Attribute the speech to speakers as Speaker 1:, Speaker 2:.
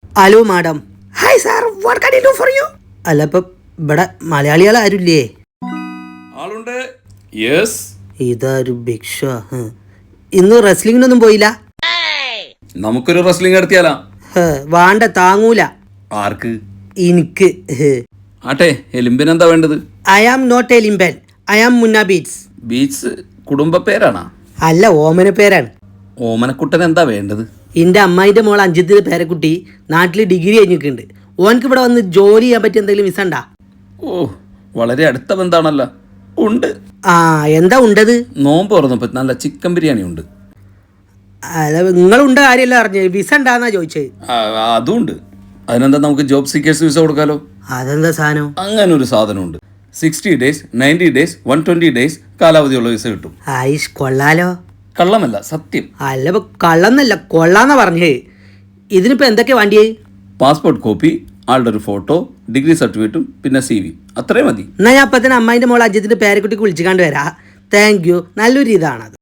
Speaker 1: Hello madam. Hi sir, what can I do for you? അല്ല ഇപ്പം ഇവിടെ മലയാളികൾ ആരുമില്ലേ?
Speaker 2: ആളുണ്ട്. യെസ്.
Speaker 1: ഇതാരും ഭിക്ഷ. ഇന്ന് റെസ്ലിങ്ങിനൊന്നും പോയില്ല?
Speaker 2: നമുക്കൊരു റെസ്ലിംഗ് നടത്തിയാലാ?
Speaker 1: വാണ്ട, താങ്ങൂല.
Speaker 2: ആർക്ക്?
Speaker 1: എനിക്ക്.
Speaker 2: ആട്ടെ, എലിമ്പിനെന്താ വേണ്ടത്?
Speaker 1: ഐ ആം നോട്ട് എ ലിംബൻ, I am Munna beats.
Speaker 2: Beach കുടുംബ പേരാണാ?
Speaker 1: അല്ല, ഓമന പേരാണ്.
Speaker 2: ഓമനക്കുട്ടൻ എന്താ വേണ്ടത്?
Speaker 1: എൻ്റെ അമ്മായിൻ്റെ മോൾ അഞ്ചിത്തിൻ്റെ പേരക്കുട്ടി നാട്ടിൽ ഡിഗ്രി കഴിഞ്ഞിട്ടുണ്ട്. ഓനക്ക് ഇവിടെ വന്ന് ജോലി ചെയ്യാൻ പറ്റിയ എന്തെങ്കിലും വിസ ഉണ്ടാ?
Speaker 2: ഓ, വളരെ അടുത്ത ബന്ധാണല്ലോ. ഉണ്ട്.
Speaker 1: ആ, എന്താ ഉണ്ടത്?
Speaker 2: നോമ്പ് തുറന്നപ്പോൾ നല്ല ചിക്കൻ ബിരിയാണി ഉണ്ട്.
Speaker 1: അല്ല, നിങ്ങളുണ്ട കാര്യമല്ല അറിഞ്ഞത്, വിസ ഉണ്ടാന്നാ ചോദിച്ചത്.
Speaker 2: അതും ഉണ്ട്. അതിനെന്താ, നമുക്ക് ജോബ് സീക്കേഴ്സ് വിസ കൊടുക്കാലോ?
Speaker 1: അതെന്താ സാധനം?
Speaker 2: അങ്ങനെ ഒരു സാധനമുണ്ട്. 60 days, 90 days, 120 days കാലാവധിയുള്ള വിസ കിട്ടും.
Speaker 1: ആയിഷ്, കൊള്ളാലോ.
Speaker 2: കള്ളമല്ല, സത്യം.
Speaker 1: അല്ല, ഇപ്പൊ കള്ളന്നല്ല, കൊള്ളാന്നാ പറഞ്ഞേ. ഇതിനിപ്പോ എന്തൊക്കെ വേണ്ടിയേ?
Speaker 2: പാസ്പോർട്ട് കോപ്പി, ആളുടെ ഒരു ഫോട്ടോ, ഡിഗ്രി സർട്ടിഫിക്കറ്റും പിന്നെ CV. അത്രയും മതി.
Speaker 1: എന്നാ ഞാൻ അപ്പത്തന്നെ അമ്മായിൻ്റെ മോൾ അജിത്തിന്റെ പേരക്കുട്ടിക്ക് വിളിച്ചു കണ്ടുവരാ. താങ്ക് യു, നല്ലൊരു ഇതാണത്.